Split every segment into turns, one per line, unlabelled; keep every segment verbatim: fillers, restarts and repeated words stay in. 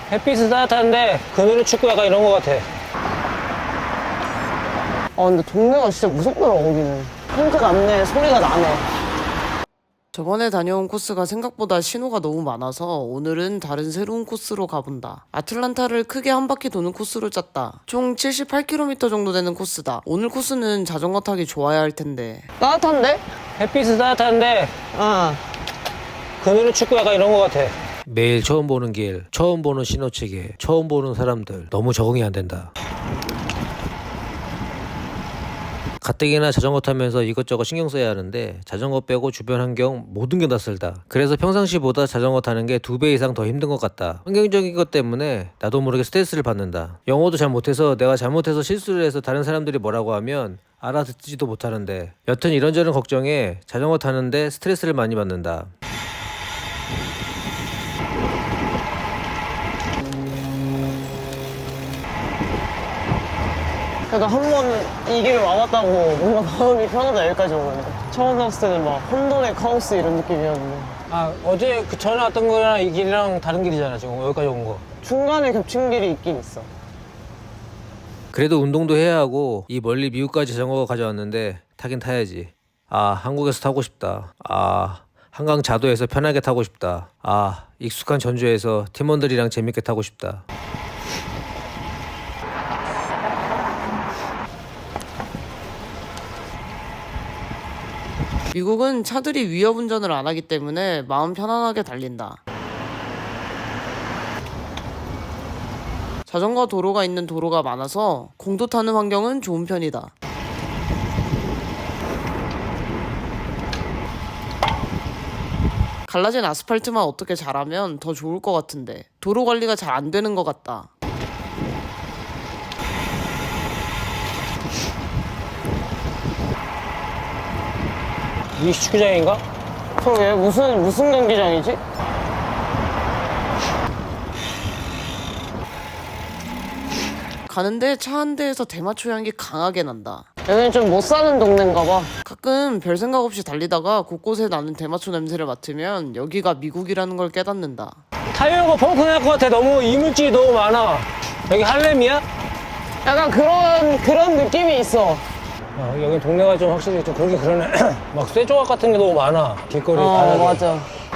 햇빛은 따뜻한데 그늘은 춥고 약간 이런 거 같아.
아 근데 동네가 진짜 무섭더라 거기는. 혼자 났네. 소리가 나네.
저번에 다녀온 코스가 생각보다 신호가 너무 많아서 오늘은 다른 새로운 코스로 가본다. 아틀란타를 크게 한 바퀴 도는 코스로 짰다. 총 칠십팔 킬로미터 정도 되는 코스다. 오늘 코스는 자전거 타기 좋아야 할 텐데.
따뜻한데?
햇빛은 따뜻한데
아.
그늘은 춥고 약간 이런 거 같아. 매일 처음 보는 길, 처음 보는 신호체계, 처음 보는 사람들 너무 적응이 안 된다. 가뜩이나 자전거 타면서 이것저것 신경 써야 하는데 자전거 빼고 주변 환경 모든 게 낯설다. 그래서 평상시보다 자전거 타는 게 두 배 이상 더 힘든 것 같다. 환경적인 것 때문에 나도 모르게 스트레스를 받는다. 영어도 잘 못해서 내가 잘못해서 실수를 해서 다른 사람들이 뭐라고 하면 알아듣지도 못하는데 여튼 이런저런 걱정에 자전거 타는데 스트레스를 많이 받는다.
그래도 한 번 이 길을 와봤다고 뭔가 마음이 편하다. 여기까지 오는데 처음 나왔을 때는 막 혼돈의 카오스 이런 느낌이었는데
아 어제 그 전에 왔던 거랑 이 길이랑 다른 길이잖아. 지금 여기까지 온 거.
중간에 겹친 길이 있긴 있어.
그래도 운동도 해야 하고 이 멀리 미국까지 자전거 가져왔는데 타긴 타야지. 아 한국에서 타고 싶다. 아 한강 자도에서 편하게 타고 싶다. 아 익숙한 전주에서 팀원들이랑 재밌게 타고 싶다.
미국은 차들이 위협 운전을 안 하기 때문에 마음 편안하게 달린다. 자전거 도로가 있는 도로가 많아서 공도 타는 환경은 좋은 편이다. 갈라진 아스팔트만 어떻게 잘하면 더 좋을 것 같은데 도로 관리가 잘 안 되는 것 같다.
이 축구장인가?
그러게 무슨 무슨 경기장이지?
가는데 차 한 대에서 대마초 향기 강하게 난다.
여기는 좀 못 사는 동네인가 봐.
가끔 별 생각 없이 달리다가 곳곳에 나는 대마초 냄새를 맡으면 여기가 미국이라는 걸 깨닫는다.
타이어가 펑크 날 것 같아. 너무 이물질이 너무 많아. 여기 할렘이야?
약간 그런 그런 느낌이 있어.
어, 여기 동네가 좀 확실히 좀 그러긴 그러네. 막 쇠조각 같은 게 너무 많아. 길거리
어
바닥에.
맞아.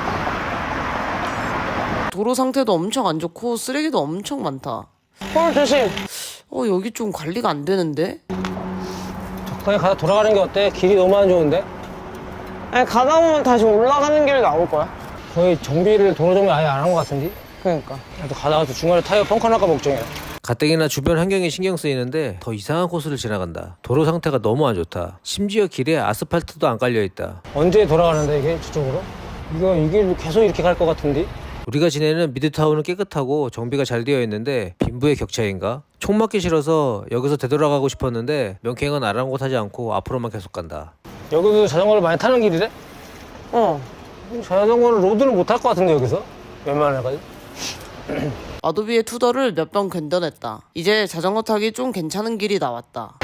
도로 상태도 엄청 안 좋고 쓰레기도 엄청 많다.
홀 조심.
어 여기 좀 관리가 안 되는데?
적당히 가다 돌아가는 게 어때? 길이 너무 안 좋은데?
아니 가다 보면 다시 올라가는 길 나올 거야.
거의 정비를 도로 정비 아예 안 한 것 같은데?
그러니까.
또 가다가 또 중간에 타이어 펑크 날까 걱정이야. 가뜩이나 주변 환경이 신경 쓰이는데 더 이상한 코스를 지나간다. 도로 상태가 너무 안 좋다. 심지어 길에 아스팔트도 안 깔려있다. 언제 돌아가는데 이게 저쪽으로? 이거 이 길 계속 이렇게 갈 것 같은데? 우리가 지내는 미드타운은 깨끗하고 정비가 잘 되어 있는데 빈부의 격차인가? 총 맞기 싫어서 여기서 되돌아가고 싶었는데 명쾌행은 아랑곳하지 않고 앞으로만 계속 간다. 여기도 자전거를 많이 타는 길이래?
어.
자전거는 로드는 못 탈 것 같은데 여기서? 웬만해가지고?
아도비의 투더를 몇 번 견뎌냈다. 이제 자전거 타기 좀 괜찮은 길이 나왔다.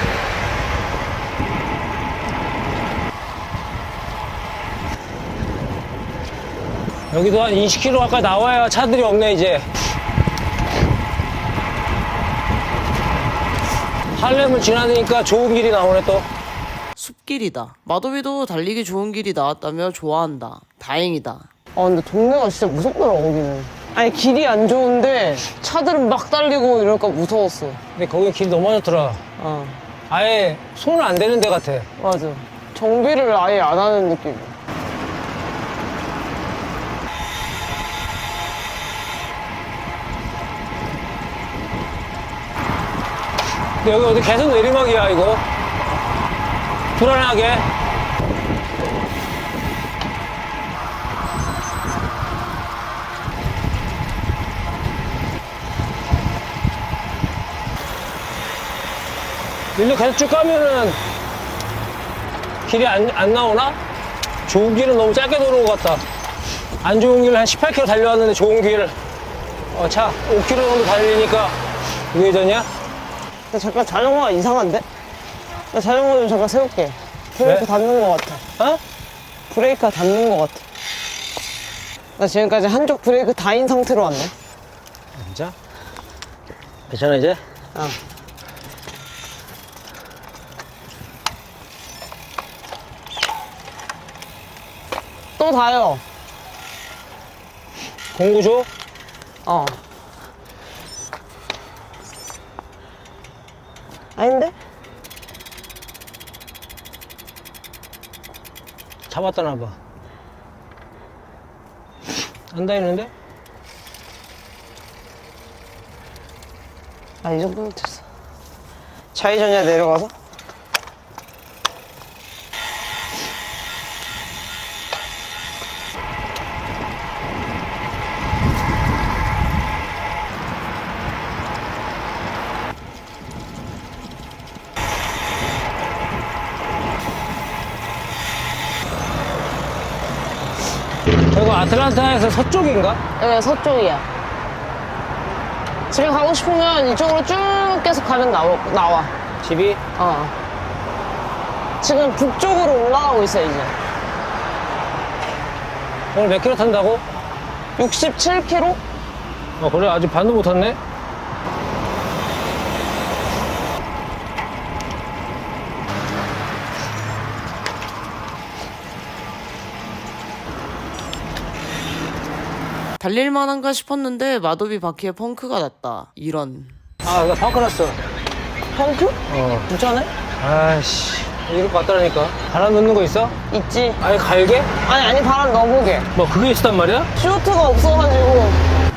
여기도 한 이십 킬로미터 가까이 나와야 차들이 없네 이제. 할렘을 지나니까 좋은 길이 나오네 또.
숲길이다. 마도비도 달리기 좋은 길이 나왔다며 좋아한다. 다행이다.
아 근데 동네가 진짜 무섭더라 거기는. 아니 길이 안 좋은데 차들은 막 달리고 이러니까 무서웠어.
근데 거기 길 너무 안 좋더라.
어
아예 손을 안 대는 데 같아.
맞아. 정비를 아예 안 하는 느낌.
근데 여기 어디 계속 내리막이야 이거. 불안하게. 일로 계속 쭉 가면은 길이 안, 안 나오나? 좋은 길은 너무 짧게 도는 것 같다. 안 좋은 길을 한 십팔 킬로미터 달려왔는데 좋은 길을 어, 차 오 킬로미터 정도 달리니까 우회전이야?
나 잠깐 자전거가 이상한데? 나 자전거 좀 잠깐 세울게. 브레이크
왜?
닿는 것 같아.
어?
브레이크가 닿는 것 같아. 나 지금까지 한쪽 브레이크 다인 상태로 왔네.
진짜? 괜찮아 이제?
어. 또 다요.
공구 줘?
어. 아닌데?
잡았다 나봐. 안 닿이는데?
아, 이 정도면 됐어. 좌회전이야, 내려가서?
이거 아틀란타에서 서쪽인가?
여기 서쪽이야. 집에 가고 싶으면 이쪽으로 쭉 계속 가면 나오, 나와.
집이?
어. 지금 북쪽으로 올라가고 있어, 이제.
오늘 몇 킬로 탄다고?
육십칠 킬로미터?
어 그래 아직 반도 못 탔네?
달릴만한가 싶었는데 마도비 바퀴에 펑크가 났다. 이런.
아 나 펑크 났어.
펑크?
어.
괜찮네?
아이씨 이럴 것 같다니까. 바람 넣는 거 있어?
있지.
아예 갈게?
아니, 아니, 바람 넣어보게.
뭐 그게 있었단 말이야?
쇼트가 없어가지고.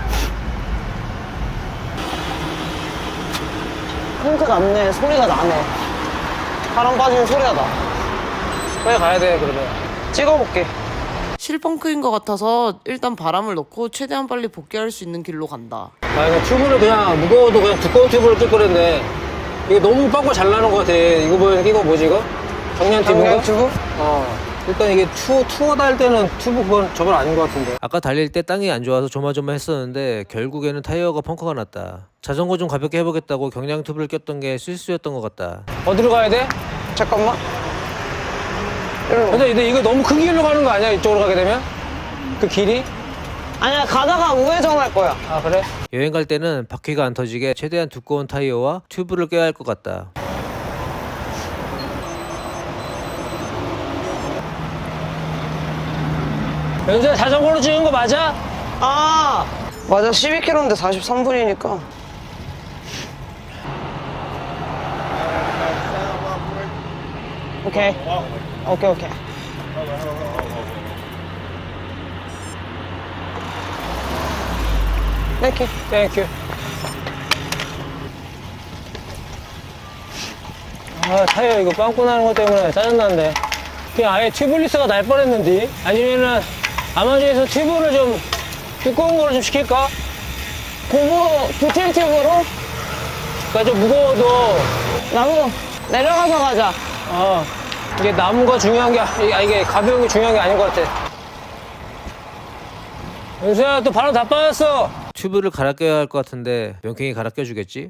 펑크 났네. 소리가 나네. 바람 빠지는 소리가 나.
빨리 가야 돼 그러면.
찍어볼게.
실펑크인 것 같아서 일단 바람을 넣고 최대한 빨리 복귀할 수 있는 길로 간다.
아 이거 튜브를 그냥 무거워도 그냥 두꺼운 튜브를 낄 거랬네. 이게 너무 빵꾸 잘 나는 것 같아. 이거 뭐 이거 뭐지 이거? 경량 튜브인가?
경량 튜브?
어. 일단 이게 투, 투어 달 때는 튜브 그건 저건 아닌 것 같은데. 아까 달릴 때 땅이 안 좋아서 조마조마했었는데 결국에는 타이어가 펑크가 났다. 자전거 좀 가볍게 해보겠다고 경량 튜브를 꼈던 게 실수였던 것 같다. 어디로 가야 돼?
잠깐만. 이리로.
근데, 근데 이거 너무 큰 길로 가는 거 아니야? 이쪽으로 가게 되면? 그 길이?
아니야, 가다가 우회전할 거야.
아 그래? 여행 갈 때는 바퀴가 안 터지게 최대한 두꺼운 타이어와 튜브를 껴야 할 것 같다. 연수야 자전거로 찍은 거 맞아?
아, 맞아. 십이 킬로미터인데 사십삼 분이니까. 오케이. 오케이, 오케이. 땡큐.
땡큐. 아 타이어 이거 빵꾸 나는 것 때문에 짜증난데. 그냥 아예 튜브리스가 날 뻔했는데. 아니면은 아마존에서 튜브를 좀 두꺼운 거로 좀 시킬까?
고무 뷰티 튜브로
그러니까 좀 무거워도
나무 내려가서 가자.
어 이게 나무가 중요한 게 아, 이게 가벼운 게 중요한 게 아닌 것 같아. 연수야 또 바람 다 빠졌어. 튜브를 갈아 껴야 할 것 같은데 명쾌히 갈아 껴주겠지?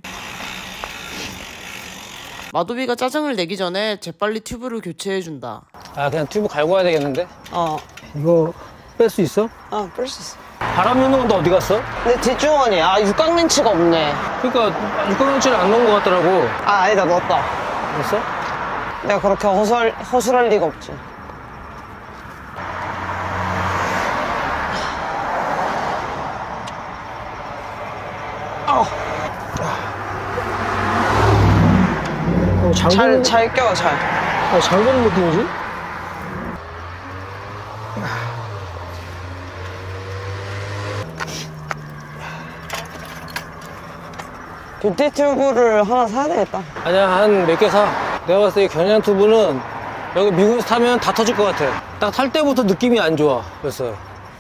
마도비가 짜증을 내기 전에 재빨리 튜브를 교체해준다.
아 그냥 튜브 갈고 와야 되겠는데?
어,
이거 뺄 수 있어?
아, 뺄 수 있어.
바람 넣는 건 또 어디 갔어?
근데 뒷주머니, 아, 육각 렌치가 없네.
그러니까 육각렌치를 안 넣은 것 같더라고.
아, 아니다, 넣었다.
됐어?
내가 그렇게 허술, 허술할 리가 없지. 아,
어,
잘,
잠그는,
잘 껴, 잘.
어, 잠그는 느낌이지?
뷰티 튜브를 하나 사야 되겠다.
아니야, 한 몇 개 사. 내가 봤을 때 이 경량 튜브는 여기 미국에서 타면 다 터질 것 같아. 딱 탈 때부터 느낌이 안 좋아. 그래서.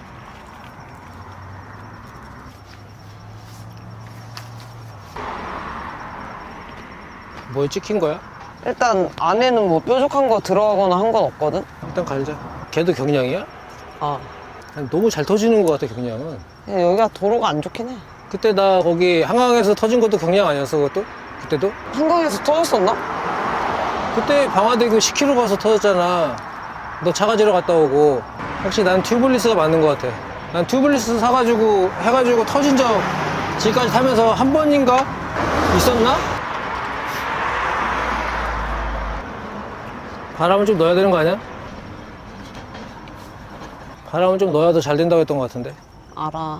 뭐에 찍힌 거야?
일단 안에는 뭐 뾰족한 거 들어가거나 한 건 없거든?
일단 갈자. 걔도 경량이야?
아,
아니, 너무 잘 터지는 것 같아, 경량은.
근데 여기가 도로가 안 좋긴 해.
그때 나 거기 한강에서 터진 것도 경량 아니었어, 그것도? 그때도?
한강에서 터졌었나?
그때 방화대교 십 킬로미터 가서 터졌잖아. 너 차가지러 갔다 오고. 혹시 난 튜블리스가 맞는 것 같아. 난 튜블리스 사가지고 해가지고 터진 적 지금까지 타면서 한 번인가 있었나? 바람을 좀 넣어야 되는 거 아니야? 바람을 좀 넣어야 더 잘 된다고 했던 것 같은데.
알아.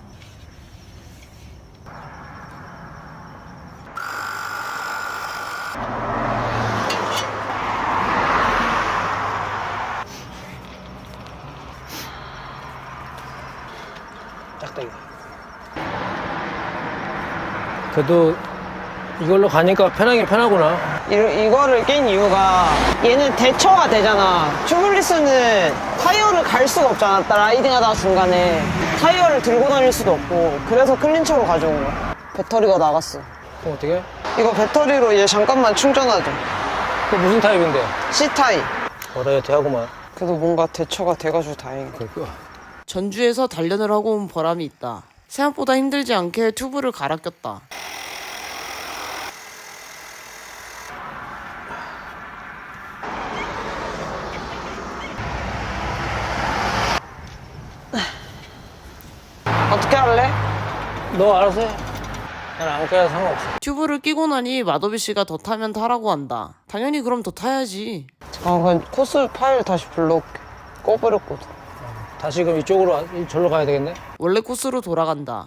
작다 이거. 그래도 이걸로 가니까 편하긴 편하구나.
이, 이거를 낀 이유가 얘는 대처가 되잖아. 튜블리스는 타이어를 갈 수가 없잖아. 라이딩 하다가 중간에 타이어를 들고 다닐 수도 없고. 그래서 클린처로 가져온 거야. 배터리가 나갔어.
그럼 어떻게?
이거 배터리로 이제 잠깐만 충전하죠.
그 무슨 타입인데?
C타입.
뭐래 대하구만.
그래도 뭔가 대처가 돼가지고 다행이다.
그거.
전주에서 단련을 하고 온 보람이 있다. 생각보다 힘들지 않게 튜브를 갈아 꼈다.
어떻게 할래?
너 알아서 해. 난 아무 깨도 상관없어.
튜브를 끼고 나니 마더비 씨가 더 타면 타라고 한다. 당연히 그럼 더 타야지.
아, 그냥 코스 파일 다시 불러올게. 꺼버렸거든.
다시 그럼 이쪽으로 와- 이- 절로 가야 되겠네.
원래 코스로 돌아간다.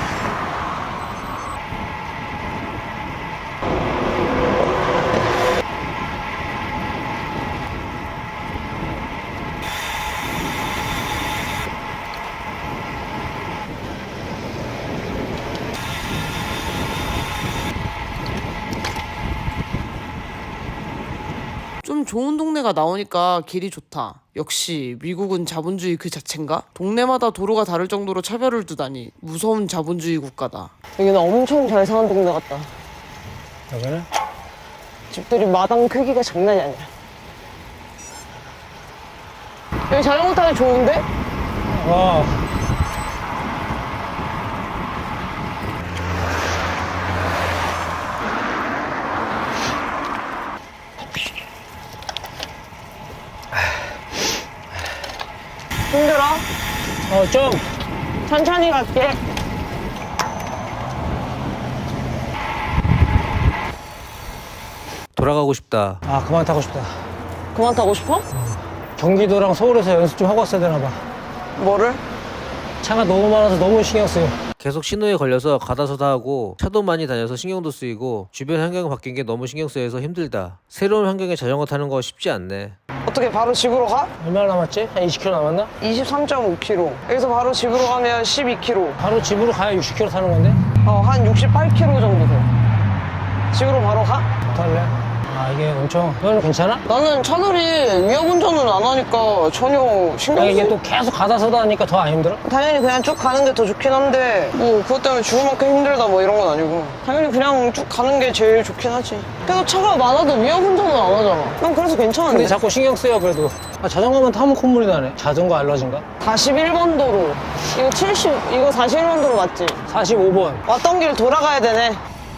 좀 좋은 동네가 나오니까 길이 좋다. 역시 미국은 자본주의 그 자체인가? 동네마다 도로가 다를 정도로 차별을 두다니 무서운 자본주의 국가다.
여기는 엄청 잘 사는 동네 같다.
여기는?
집들이 마당 크기가 장난이 아니야. 여기 자전거 타기 좋은데?
와.
힘들어?
어, 좀.
천천히 갈게.
돌아가고 싶다. 아, 그만 타고 싶다.
그만 타고 싶어?
경기도랑 서울에서 연습 좀 하고 왔어야 되나 봐.
뭐를?
차가 너무 많아서 너무 신경 쓰여. 계속 신호에 걸려서 가다서다 하고 차도 많이 다녀서 신경도 쓰이고 주변 환경이 바뀐 게 너무 신경 쓰여서 힘들다. 새로운 환경에 자전거 타는 거 쉽지 않네.
어떻게 바로 집으로 가?
얼마나 남았지? 한 이십 킬로미터 남았나?
이십삼 점 오 킬로미터. 여기서 바로 집으로 가면 십이 킬로미터.
바로 집으로 가야 육십 킬로미터 타는 건데?
어, 한 육십팔 킬로미터 정도 돼. 집으로 바로 가?
어떡할래? 아, 이게 엄청. 너는 괜찮아?
나는 차들이 위험 운전은 안 하니까 전혀 신경
아,
쓰
이게 또 계속 가다서다 하니까 더 안 힘들어?
당연히 그냥 쭉 가는 게 더 좋긴 한데 뭐 그것 때문에 죽을 만큼 힘들다 뭐 이런 건 아니고 당연히 그냥 쭉 가는 게 제일 좋긴 하지. 그래도 차가 많아도 위험 운전은 안 하잖아. 난 그래서 괜찮은데.
근데 자꾸 신경 쓰여 그래도. 아, 자전거만 타면 콧물이 나네. 자전거 알러지인가?
사십일 번 도로. 이거 칠십, 이거 사십일 번 도로 맞지?
사십오 번.
왔던 길 돌아가야 되네.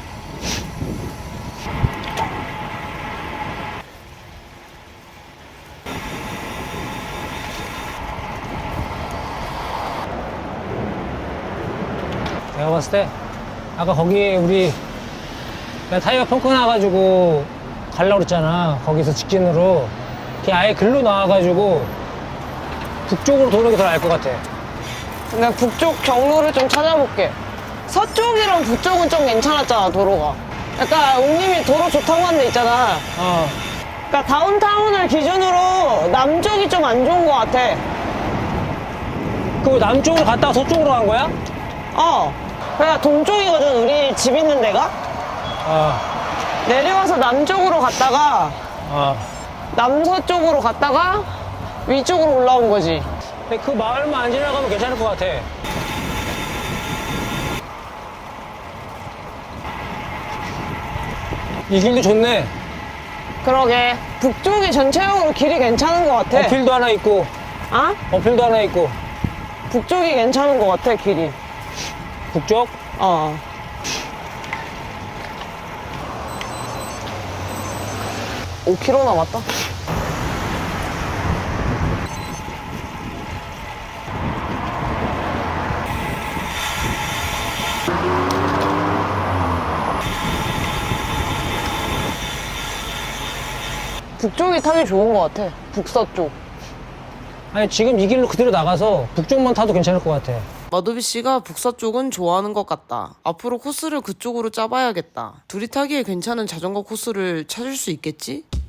내가 봤을 때 아까 거기 우리 내가 타이어 펑크 나가지고 가려고 그랬잖아. 거기서 직진으로 그냥 아예 글로 나와가지고 북쪽으로 도는 게 더 나을 것 같아.
내가 북쪽 경로를 좀 찾아볼게. 서쪽이랑 북쪽은 좀 괜찮았잖아, 도로가. 약간 웅님이 도로 좋다고 한 데 있잖아.
어.
그러니까 다운타운을 기준으로 남쪽이 좀 안 좋은 것 같아.
그 남쪽으로 갔다가 서쪽으로 간 거야?
어. 그러니까 동쪽이거든, 우리 집 있는 데가.
어.
내려와서 남쪽으로 갔다가
어.
남서쪽으로 갔다가 위쪽으로 올라온 거지.
근데 그 마을만 안 지나가면 괜찮을 것 같아. 이 길도 좋네.
그러게. 북쪽이 전체적으로 길이 괜찮은 것 같아.
어필도 하나 있고,
아?
어필도 하나 있고.
북쪽이 괜찮은 것 같아, 길이.
북쪽?
어. 오 킬로미터 남았다. 북쪽이 타기 좋은 것 같아. 북서쪽.
아니 지금 이 길로 그대로 나가서 북쪽만 타도 괜찮을 것 같아.
마도비 씨가 북서쪽은 좋아하는 것 같다. 앞으로 코스를 그쪽으로 짜봐야겠다. 둘이 타기에 괜찮은 자전거 코스를 찾을 수 있겠지?